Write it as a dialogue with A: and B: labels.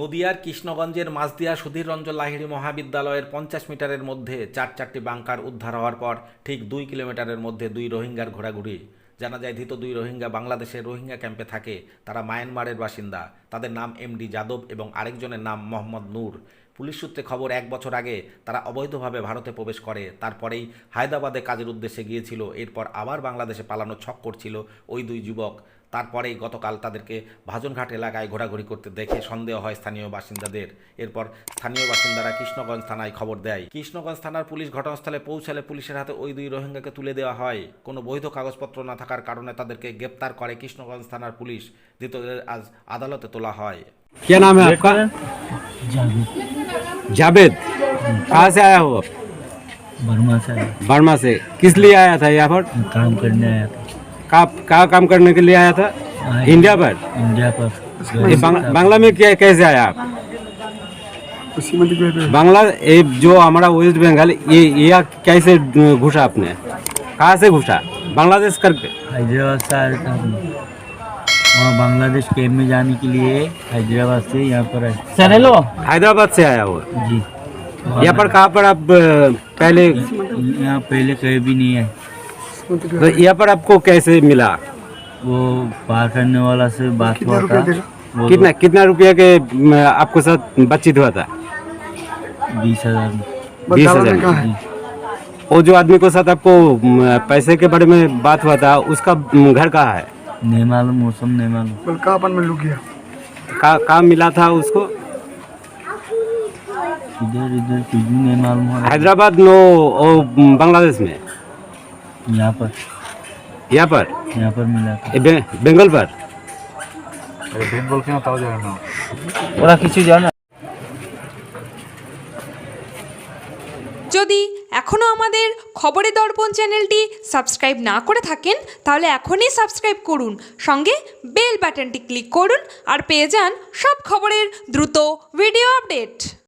A: নদিয়ার কৃষ্ণগঞ্জের মাঝদিয়া সুধীর রঞ্জন লাহিড়ী মহাবিদ্যালয়ের 50 মিটারের মধ্যে চারটি বাংকার উদ্ধার হওয়ার পর ঠিক 2 কিলোমিটারের মধ্যে 2 রোহিঙ্গার ঘোরাঘুরি। জানা যায় ধৃত 2 রোহিঙ্গা বাংলাদেশের রোহিঙ্গা ক্যাম্পে থাকে। তারা মায়ানমারের বাসিন্দা। তাদের নাম এমডি যাদব এবং আরেকজনের নাম মোহাম্মদ নূর। পুলিশ সূত্রে খবর 1 বছর আগে তারা অবৈধভাবে ভারতে প্রবেশ করে। তারপরেই হায়দ্রাবাদে কাজের উদ্দেশ্যে গিয়েছিল। এরপর আবার বাংলাদেশে পালানোর ছক করছিল ওই 2 যুবক। তারপরেই গতকাল তাদেরকে ভাজনঘাট এলাকায় ঘোরাঘুরি করতে দেখে সন্দেহ হয় স্থানীয় বাসিন্দাদের। এরপর স্থানীয় বাসিন্দারা কৃষ্ণগঞ্জ থানায় খবর দেয়। কৃষ্ণগঞ্জ থানার পুলিশ ঘটনাস্থলে পৌঁছালে পুলিশের হাতে ওই 2 রোহিঙ্গাকে তুলে দেওয়া হয়। কোনো বৈধ কাগজপত্র না থাকার কারণে তাদেরকে গ্রেপ্তার করে কৃষ্ণগঞ্জ থানার পুলিশ। ধৃতদের আজ আদালতে তোলা হয়।
B: क्या नाम है आपका? जावेद। कहाँ से आया हो?
C: बर्मा से
B: बर्मा से। किस लिए आया था यहाँ पर?
C: काम करने आया था।
B: कहाँ काम करने के लिए आया था? इंडिया पर।
C: इंडिया पर
B: ये बांग्ला में क्या कैसे आया आप? बांग्ला ये जो हमारा वेस्ट बंगाल ये कैसे घुसा आपने? कहाँ से घुसा? बांग्लादेश करके?
C: हैदराबाद से आया था। वहाँ बांग्लादेश कैम्प में जाने के लिए हैदराबाद से यहाँ पर आए। Sir hello.
B: हैदराबाद से आया हो
C: जी।
B: यहाँ पर कहाँ पर आप पहले?
C: यहाँ पहले कहीं भी नहीं है।
B: तो यहाँ पर आपको कैसे मिला?
C: वो पार करने वाला से बात हुआ था। वो
B: कितना रुपया के आपको साथ बातचीत हुआ था?
C: 20,000
B: 20,000।
C: जी।
B: वो जो आदमी के साथ आपको पैसे के बारे में बात हुआ था उसका घर कहाँ है?
C: नहीं मालूम, मौसम नहीं मालूम।
B: कहाँ मिला था उसको?
C: इधर इधर कुछ भी नहीं मालूम है।
B: हैदराबाद नो ओ बांग्लादेश में?
C: यहाँ पर
B: यहाँ पर
C: मिला था।
B: बेंगल पर?
C: बेंगल क्यों ताऊ जाए ना ওরা কিছু জানে।
D: যদি এখনও আমাদের খবরের দর্পণ চ্যানেলটি সাবস্ক্রাইব না করে থাকেন তাহলে এখনই সাবস্ক্রাইব করুন, সঙ্গে বেল বাটনটি ক্লিক করুন আর পেয়ে যান সব খবরের দ্রুত ভিডিও আপডেট।